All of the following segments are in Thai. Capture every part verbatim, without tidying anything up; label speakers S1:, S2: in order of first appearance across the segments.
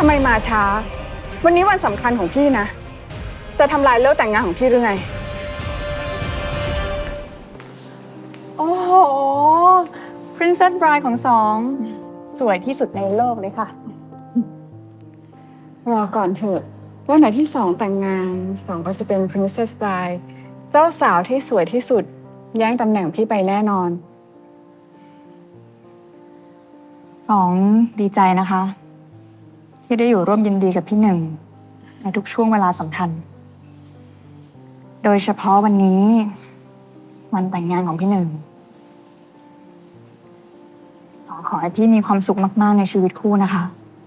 S1: ำไมมาช้าวันนี้วันสำคัญของพี่นะจะทำลายเลิกแต่งงานของพี่หรือไง
S2: โอ้โห Princess Bride ของสองสวยที่สุดในโลกเลยค่ะ
S1: รอก่อนเถอะว่าไหนที่สองแต่งงานสองก็จะเป็น Princess Bride เจ้าสาวที่สวยที่สุดแย่งตำแหน่งพี่ไปแน่นอน
S2: สองดีใจนะคะ ที่ได้อยู่ร่วมยินดีกับพี่หนึ่งในทุกช่วงเวลาสำคัญ โดยเฉพาะวันนี้วันแต่งงานของพี่หนึ่งสองขอให้พี่มีความสุขมากๆในชีวิตคู่นะคะ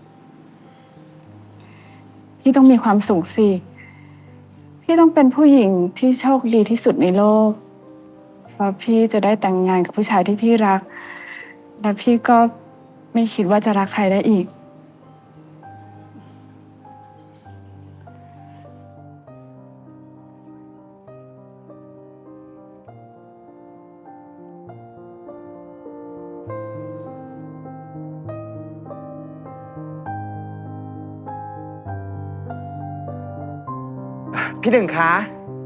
S1: พี่ต้องมีความสุขสิพี่ต้องเป็นผู้หญิงที่โชคดีที่สุดในโลกเพราะพี่จะได้แต่งงานกับผู้ชายที่พี่รักและพี่ก็ไม่คิดว่าจะรักใครได้อีก
S3: พี่หนึ่งคะ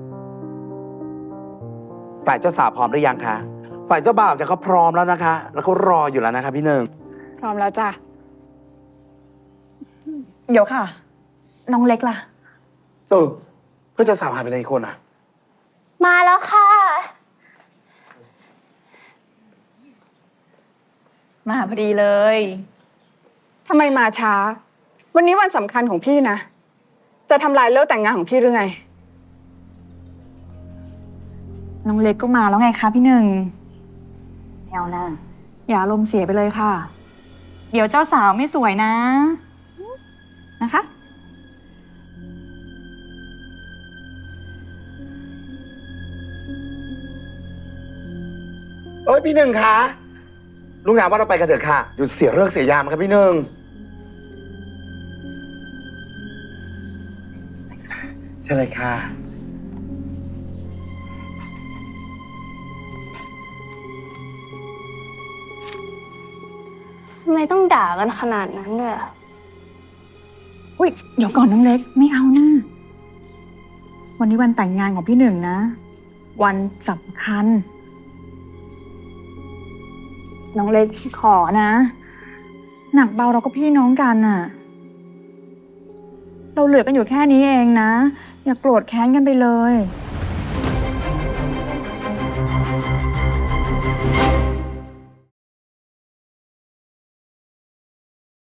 S3: ฝ่ายเจ้าสาวพร้อมหรือยังคะฝ่ายเจ้าบ่าวเนี่ยเขาพร้อมแล้วนะคะ แล้วเขารออยู่แล้วนะคะพี่หนึ่ง
S1: พร้อมแล้วจ้ะ
S2: เดี๋ยวค่ะ น้องเล็กล่ะ
S3: เออเพื่อนเจ้าสาวหายไปไหนอีกคนอ่ะ
S4: มาแล้วค่ะ
S2: มาพอดีเลย
S1: ทำไมมาช้าวันนี้วันสำคัญของพี่นะจะทำลายเลิกแต่งงานของพี่หรือไง
S2: น้องเล็กก็มาแล้วไงคะพี่หนึ่งไม่เอานะอย่าอารมณ์เสียไปเลยค่ะ เดี๋ยวเจ้าสาวไม่สวยนะนะคะ
S3: เอ้ยพี่หนึ่งคะลุงหนาว่าเราไปกันเถอะค่ะหยุดเสียเลิกเสียยามครับพี่หนึ่งใช่เลยค่ะ
S4: ทำไมต้องด่ากันขนาดนั้นด้วยอะ
S2: อุ้ยเดี๋ยวก่อนน้องเล็กไม่เอานะวันนี้วันแต่งงานของพี่หนึ่งนะวันสำคัญน้องเล็กพี่ขอนะหนักเบาเราก็พี่น้องกันน่ะเราเหลือกันอยู่แค่นี้เองนะอย่าโกรธแค้นกันไปเลย